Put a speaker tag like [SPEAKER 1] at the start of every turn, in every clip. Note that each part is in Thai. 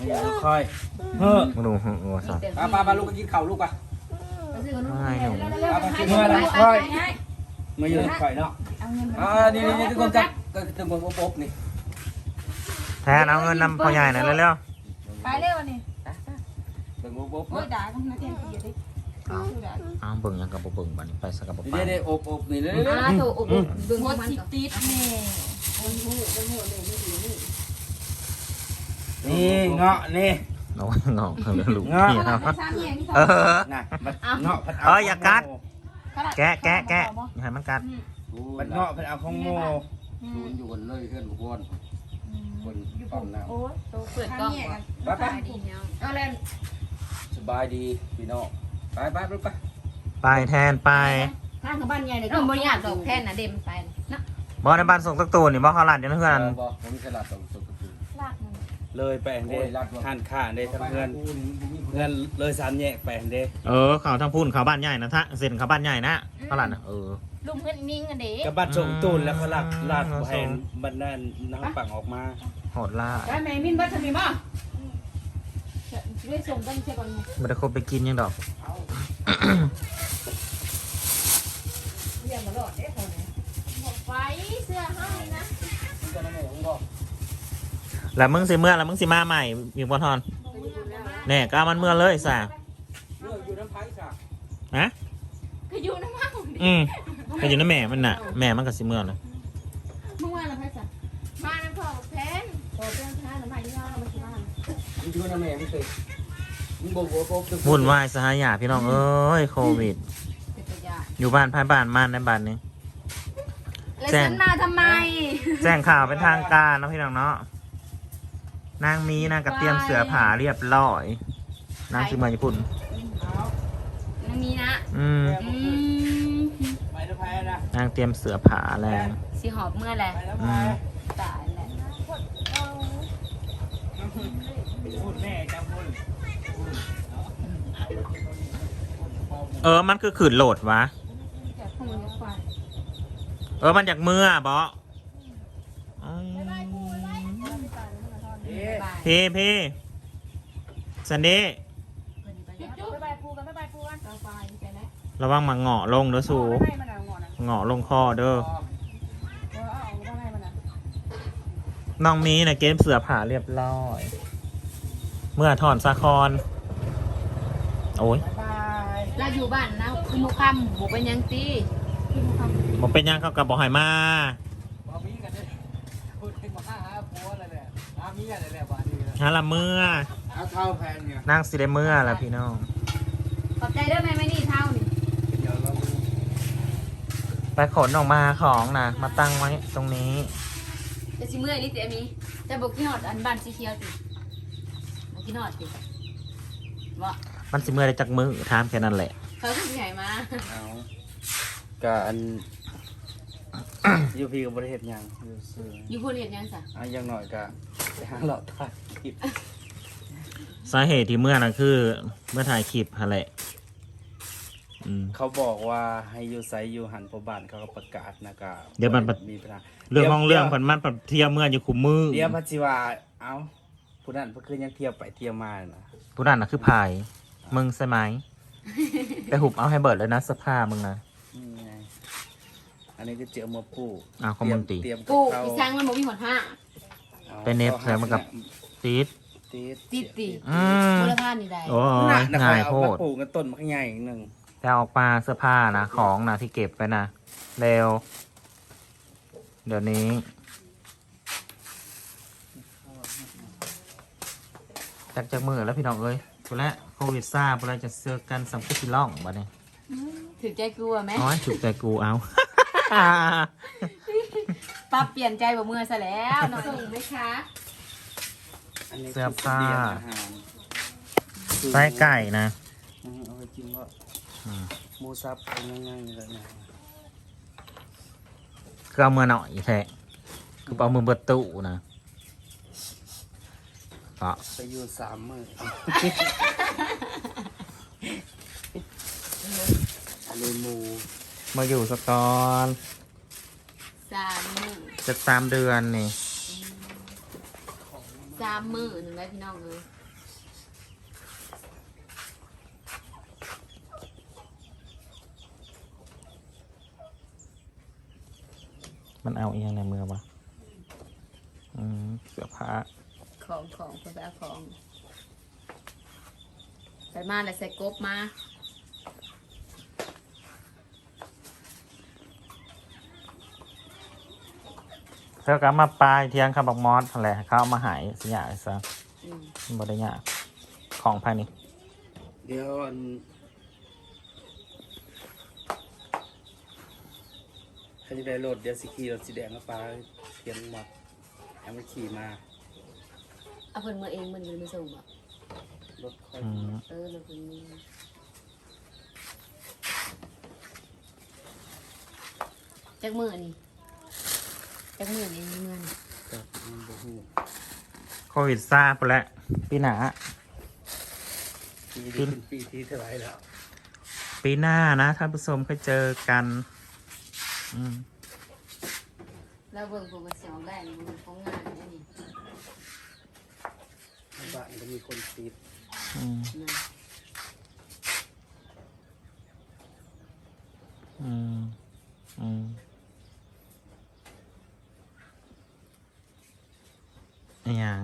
[SPEAKER 1] ค่อยเฮ้อ
[SPEAKER 2] มึงดูหัวสัตว์
[SPEAKER 1] ป้าลูกก็กินข้าวลูกป่ะ
[SPEAKER 2] ไม่หนู
[SPEAKER 1] เมื่อไรค่อยมาอยู่ค่อยเนาะนี่ทุกคนจับตึงบนโป๊บนี่
[SPEAKER 2] แทนเอาเงินนำพ่อใหญ่หน่อยเร็ว
[SPEAKER 3] ไปเร็วนี่
[SPEAKER 1] ตึงบนโป๊บ
[SPEAKER 3] โอ้ยด่ากันนะเทียนตีดิ
[SPEAKER 2] ๆอ้าวเบิ่งยังกับบ่เบิ่งบัดนี้ไปสักกับบ่ไป
[SPEAKER 1] นี่อบนี่เลย
[SPEAKER 3] ถูกอบดึงหัวจิตติดแม่
[SPEAKER 1] นี่เงาะนี่
[SPEAKER 2] น้องงอกเลยลูกนี่ครับเออ
[SPEAKER 1] น่ะมันเงาะ
[SPEAKER 2] อย่ากัดแกะอย่าให้มันกัด
[SPEAKER 1] มันเงาะเป็นเอาของโมอยู่บนเลยเพื่อนบนป้อมน้ำ
[SPEAKER 3] โอ้ยเปิดกล้องไปดีเนาะเอาเล่น
[SPEAKER 1] สบายดีพี่น้องไปลูกไป
[SPEAKER 2] ไปแทนไป
[SPEAKER 3] ทางกับบ้านใหญ่เลยก็บริยากดอกแท่นนะเดมไปนะ
[SPEAKER 2] บ่ในบ้านส่งสักตัวนี่บ่เขาหลานอยู่ในเฮือน
[SPEAKER 1] บอกผมมีตลาดตรงสุด
[SPEAKER 3] ลากมัน
[SPEAKER 1] เลยแปลงเด้ท่านข้าเด้ทั้งเพื่อนเลยสามแยกแปลงเด้
[SPEAKER 2] เขาทางพูนเขาบ้านใหญ่นะท่าเซ็นเขาบ้านใหญ่นะเขาหลาน
[SPEAKER 3] ลุงเพื่อนนิ่งกันเด็ก
[SPEAKER 1] กับบัตรส่งตูนแล้วเขาลาดแผนบันนั้นน้ำปังออกมา
[SPEAKER 2] โหดล่า
[SPEAKER 3] ได้ไหมมินบัตรมีบ้างด้วยส่งตั้งเช่ก่อน
[SPEAKER 2] ไม่ได้คบไปกินยังดอก
[SPEAKER 3] เรียนมาหลอดได้คนนี้บอกไฟเสื้อให้นะ
[SPEAKER 2] แล้วมึงสิเมื่อแล้วมึงสิมาใหม่มีบอลทอนแน่ก็มันเมื่อเลยสา
[SPEAKER 1] อยู่น้ำไผ่ค่ะ
[SPEAKER 2] ฮะ
[SPEAKER 3] ก็อยู่น้ำมัน
[SPEAKER 2] ก็อยู่ในแม่มันน่ะแม่มันก็สิเมื่อนะ
[SPEAKER 3] เมื่อวานเราไปสั่งมาน้ำของแพนโอ้เจ้าชายน้ำมันยี่ห้อเรามาชิมมัน
[SPEAKER 1] มึงอยู่น้ำแม่ไม่เคยมึงบอกว่า
[SPEAKER 2] วุ่นวายสหายาพี่น้องเอ้ยโควิด
[SPEAKER 3] เป็นตัวอย่าง
[SPEAKER 2] อยู่บ้านภายบ้านมันในบ้านนี้
[SPEAKER 3] แล้วฉันมาทำไม
[SPEAKER 2] แจ้งข่าวเป็นทางการเนาะพี่น้องเนาะนางมีนางกระเตรียมเสือผาเรียบร้อยนางสิมาญี่ปุ่น
[SPEAKER 3] มันมีนะ
[SPEAKER 1] ไปน้ำไผ่นะ
[SPEAKER 2] นางเตรียมเสือผาแล้ว
[SPEAKER 3] สีหอบเมื่อไร
[SPEAKER 1] ไปน้ำไผ่
[SPEAKER 3] ตายแหละ
[SPEAKER 1] พูดแม่จำพูด
[SPEAKER 2] มันคือขืนโหลดวะ
[SPEAKER 3] จากข้างบนจากฟ้า
[SPEAKER 2] มันจากเมื่อบอพี่สันดี้
[SPEAKER 3] จุ๊บไปปูกันไปปูกันเอาไปใช่ไหม
[SPEAKER 2] ระวังมาเหงาะลงเด้อสูเหงาะลงคอเด้อน้องมีนะเกมเสือผาเรียบร้อย เมื่อถอนสะคอนโอ้ย
[SPEAKER 3] เราอยู่บ้านนะคุณมุคำบุกเป็นยังตีคุณมุคำ
[SPEAKER 2] บอกเป็นยังเขากับบอกหายมา
[SPEAKER 1] บอกมีกันเลยพูดถึงมาหาผัวอะไรเนี่ยมีอะไรเนี่ยบ้านนี้
[SPEAKER 2] ฮาละเมื่อ
[SPEAKER 1] เอาเท่าแพนเนี่ย
[SPEAKER 2] นั่งสิได้เมื่อแล้วพี่น้อง
[SPEAKER 3] ขอบใจด้วยแม่ไม่นี่เท่านี่
[SPEAKER 1] เดี๋ยวเรา
[SPEAKER 2] ไปขนออกมาของนะมาตั้งไว้ตรงนี้
[SPEAKER 3] จะชิเมื่อยนี่เตี๋ยมีจะบอกกี่หอดอันบ้านสีเขียวติบอกกี่หอดติว่า
[SPEAKER 2] มันสิเมื่อได้จากมือถามแค่นั้นแหละ
[SPEAKER 3] เขาคือใหญ่มา
[SPEAKER 1] เอาการยูพีกับบริเหตุยังยูซื้อ
[SPEAKER 3] อยู่พูดเห็นยังสะ
[SPEAKER 1] ยังหน่อยก็ไปหาหลอดถ่ายคลิป
[SPEAKER 2] สาเหตุที่เมื่อนะคือเมื่อถ่ายคลิปฮะแหละ
[SPEAKER 1] เขาบอกว่าให้ยูไซยูหันพบานเขาก็ประกาศนะกามีปัญหา
[SPEAKER 2] เรื่องของเรื่องมันเที่ยวเมื่ออยู่คุมมือ
[SPEAKER 1] เดี๋ยวพัชิวาเอ้าผู้นั้นเพื่อยังเที่ยวไปเที่ยวมานะ
[SPEAKER 2] ผู้นั้นนะคือพายมึงใช่ไหมไปหุบเอาให้เบิดเลยนะเสื้อผ้ามึงนะ
[SPEAKER 1] นี่ไงอันนี้ก็เจอมาปู
[SPEAKER 2] อ้าวคอมมูนตี
[SPEAKER 1] เตรียม
[SPEAKER 3] กูอีช้างมันบอกมีหอดห้า
[SPEAKER 2] ไปเน็ตแล้วมันกับตีด
[SPEAKER 3] ติดติ มูลค่านี่ได้
[SPEAKER 2] โอ้ย
[SPEAKER 1] ง่า
[SPEAKER 2] ง่าย ย
[SPEAKER 1] โพ
[SPEAKER 2] โพ
[SPEAKER 1] ด
[SPEAKER 2] ด
[SPEAKER 1] ปลูกกันต้นมันก็ใหญ่อีกหนึ่ง
[SPEAKER 2] แต่ออกมาเสื้อผ้านะของนะที่เก็บไปนะเร็วเดี๋ยวนี้จากมือแล้วพี่น้องเอ้ยพูดแล้วโควิดซ่าพูดแล้วจะเสื้อกันสัมผัสล่องบ้านี้
[SPEAKER 3] ถือใจกลัวไหม
[SPEAKER 2] น้อยถูกใจกูเอา
[SPEAKER 3] ป้าเปลี่ยนใจบ่เมื่อซะแล้วส่งไหมคะ
[SPEAKER 2] เสื้อผ้าไส้ไก่นะ
[SPEAKER 1] เอาไปกินว่าหมูซับง่ายๆเลยนะ
[SPEAKER 2] คือเอามือหน่อยแท้คือเอามือเบิดตู้นะก็
[SPEAKER 1] ไปอยู่3 มื้ออะไรหมู
[SPEAKER 2] มาอยู่สกอน
[SPEAKER 3] 3 มื้อ
[SPEAKER 2] จะ3 เดือนนี่
[SPEAKER 3] 3 มื้อหนึ่งได้พี่น้องเลย
[SPEAKER 2] มันเอาเองในมือวะเสื้อผ้า
[SPEAKER 3] ของคนไปเอาของไปมาแล้วใส่กบมา
[SPEAKER 2] เธอก็มาปลายเทียงคำบอกมอสอะไรเขาเอามาหายสิยาซะบริยาของภายใน
[SPEAKER 1] เดี๋ยวใครจะได้รถเดี๋ยวสิขี่รถสีแดงมาปลาเทียนหมดให้มันขี่มา
[SPEAKER 3] เอาเพิ่นมาเองมันเลยไม่ส่งอ่ะ
[SPEAKER 1] รถค่อย
[SPEAKER 3] รถเพิ่นมีจักมือนี่จักมือนี่มีเงิน
[SPEAKER 2] โควิดซาไปแล้วปีหน้า
[SPEAKER 1] ปีที่เท่าไหร่แล้ว
[SPEAKER 2] ปีหน้านะท่านผู้ชมเคยเจอกัน
[SPEAKER 3] แล้วเบิ่งผมมันเสียงแรงมันของงานนี่
[SPEAKER 1] บ้านก็มีคนติด
[SPEAKER 2] อย่าง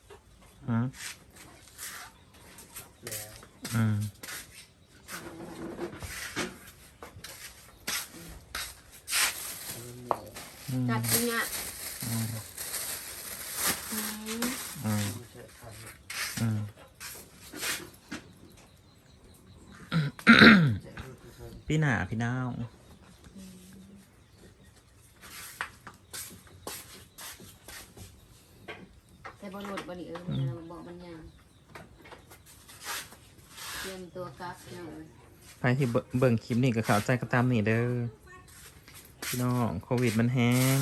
[SPEAKER 3] จัดจริงอ่ะ
[SPEAKER 2] พี่หนาพี่น้าว
[SPEAKER 3] แต่บอลหลุดบอลนี่บอกมันยังเตรียมตัวกักเนาะ
[SPEAKER 2] ไปที่เบิ่งคลิปนี่ก็ข่าวใจก็ตามนี่เด้อพี่น้องโควิดมันแห้ง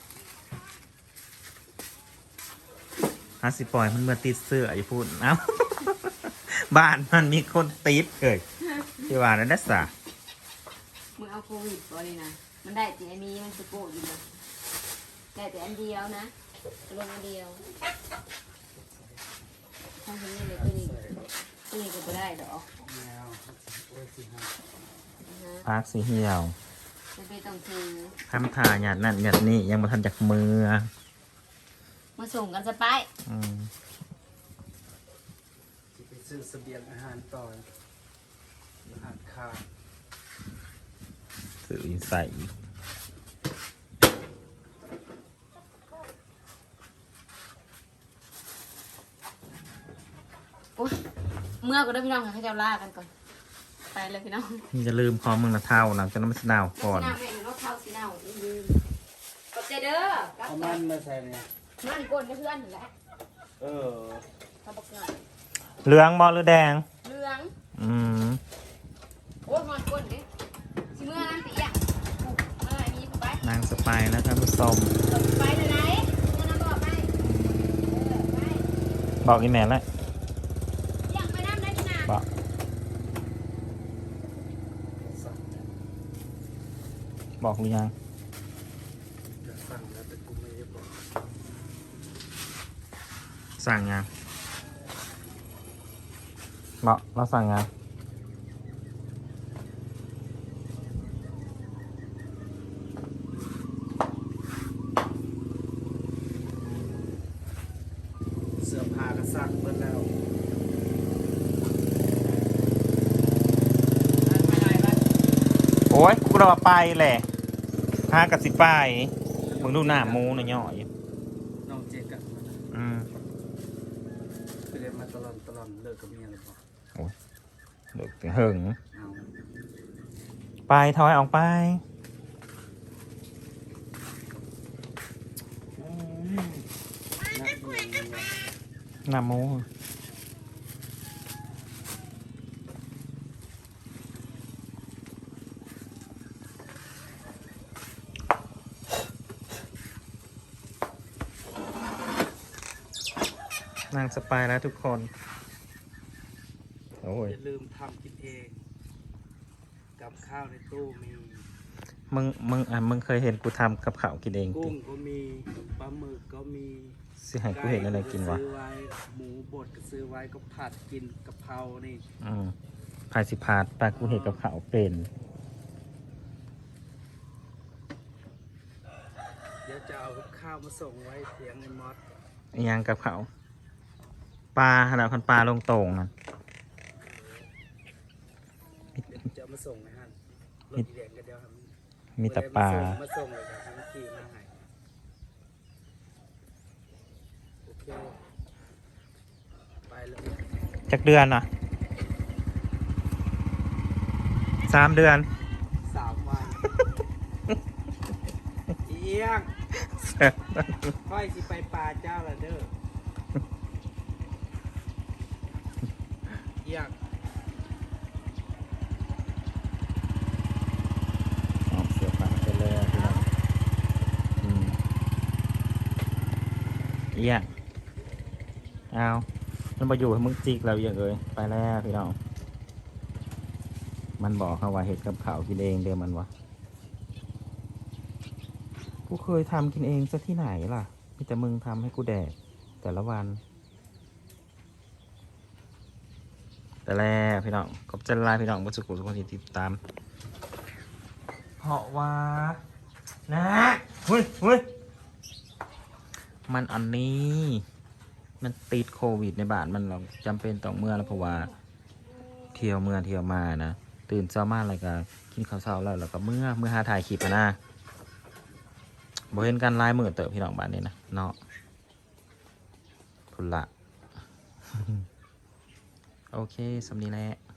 [SPEAKER 2] สิปล่อยมันเมื่อติดเสื้ออย่าพูดเอ้าบ้านมันมีคนติดเกิดที่ว่านั่นนะสะ
[SPEAKER 3] มึงเอาโควิดบอลนะมันได้แต่มีมันสะโกดอยู่นะได้แต่อันเดียวนะลงอันเดียวทำอย่างนี้เลยตัวนี้ก็ไม่ได้ดอก
[SPEAKER 2] พักสีเหี่ยว
[SPEAKER 3] ไม่ต้องซื้อ
[SPEAKER 2] ทำถ่ายหยาดนั่นหยาดนี่ยังมาทันจากมือ
[SPEAKER 3] มาส่งกันสไป
[SPEAKER 1] ไปซื้อเสบียงอาหารต่ออาหารข้าว
[SPEAKER 2] ซื้อใส่
[SPEAKER 3] เมื่อก็ได้พี่น้องค่ะให้เจ้าล่ากันก่อนไปเลยพี่น้อง
[SPEAKER 2] อย่าลืมพร้อมมึงนะเท่าหลังจากนั้นมันสนาวก่อน
[SPEAKER 3] สีนาวลืมขอบใจเด้อ
[SPEAKER 1] เอามันมาใส่เนี่ย
[SPEAKER 3] มันก้นเพื่อนแหละ
[SPEAKER 1] เขา
[SPEAKER 3] บอกง่าย
[SPEAKER 2] เหลืองบอลหรือแดง
[SPEAKER 3] เหลืองโอ้มันก้นดิสิเมื่อนั่นตีอ่ะอะไรนี้ไป
[SPEAKER 2] นางสไปแล้วท่านผู้ชม
[SPEAKER 3] ไปเลยไหนเมื่อนั่นบอกไป
[SPEAKER 2] บอกอีแม่แล้ว
[SPEAKER 3] ยังไปน้ำได้ที่นา
[SPEAKER 2] บอกหรือยังสั่งยังบอกเราสั่งยัง
[SPEAKER 1] เสื้อผ้าก็ซักหมดแล้ว
[SPEAKER 2] โอ้ยกูเราไปแหละ5 กับ 10ไปมึงดูหน้ามูนะย่อย
[SPEAKER 1] น้องเจ๊กันไปเรียนมาตลอดเลิกกับเมียเลยป่ะ
[SPEAKER 2] โอ้ยเลิกเหิงไปถอยออกไปหน้ามูนางสปายแล้วทุกคนโอ้ย
[SPEAKER 1] อย่าลืมทำกินเองกับข้าวในตู้มี
[SPEAKER 2] มึงเคยเห็นกูทำกับข้าวกินเอง
[SPEAKER 1] กุ้งก็มีปลาหมึกก็มี
[SPEAKER 2] สิให้กูเห็นอะไรกินวะ
[SPEAKER 1] ซื้อไว้หมูบดก็ซื้อไว้ก็ผัดกินกะเพรานี่
[SPEAKER 2] พายสิพาดปลากูเห็นกับข้าวเป็น
[SPEAKER 1] จะเอาข้าวมาส่งไว้เสียงในมอส
[SPEAKER 2] อิหยังกับเขาปลาขนาดคันปลาลงโต่งนั่น
[SPEAKER 1] จะมาส่งให้ฮันรถอีแดงกันเดียวครับ
[SPEAKER 2] มีแต่ปลา
[SPEAKER 1] มาส่งเลยครับทั้งขี่มาให้โอเคไปแล้ว
[SPEAKER 2] จักเดือนอ่ะ3 เดือน
[SPEAKER 1] 3 วันเอียงค่อยสิไปปลาเจ้าละเด้อเอียง
[SPEAKER 2] ออกเสือป่าไปเลยอะพี่น้องเอี้ยเอามันมาอยู่ให้มึงจิกเราอย่างเลยไปแล้วพี่น้องมันบอกเขาว่าเห็ดกับข้าวกินเองเดี๋ยวมันวะกูเคยทำกินเองซะที่ไหนล่ะมีแต่มึงทำให้กูแดกแต่ละวันแต่แล้วพี่น้องขอบใจหลายพี่น้องผู้สุขุทุกคนที่ติดตามเพราะว่านะเฮ้ยมันอันนี้มันติดโควิดในบ้านมันเราจำเป็นต้องเมื่อแล้วเพราะว่าเที่ยวเมื่อเที่ยวมานะตื่นเช้ามาแล้วก็กินข้าวเช้าแล้วก็เมื่อหาถ่ายคลิปนะบ่เห็นกันลายมือเติบพี่น้องบ้านนี้นะเนาะพุ่นละ โอเคสำนีแหละ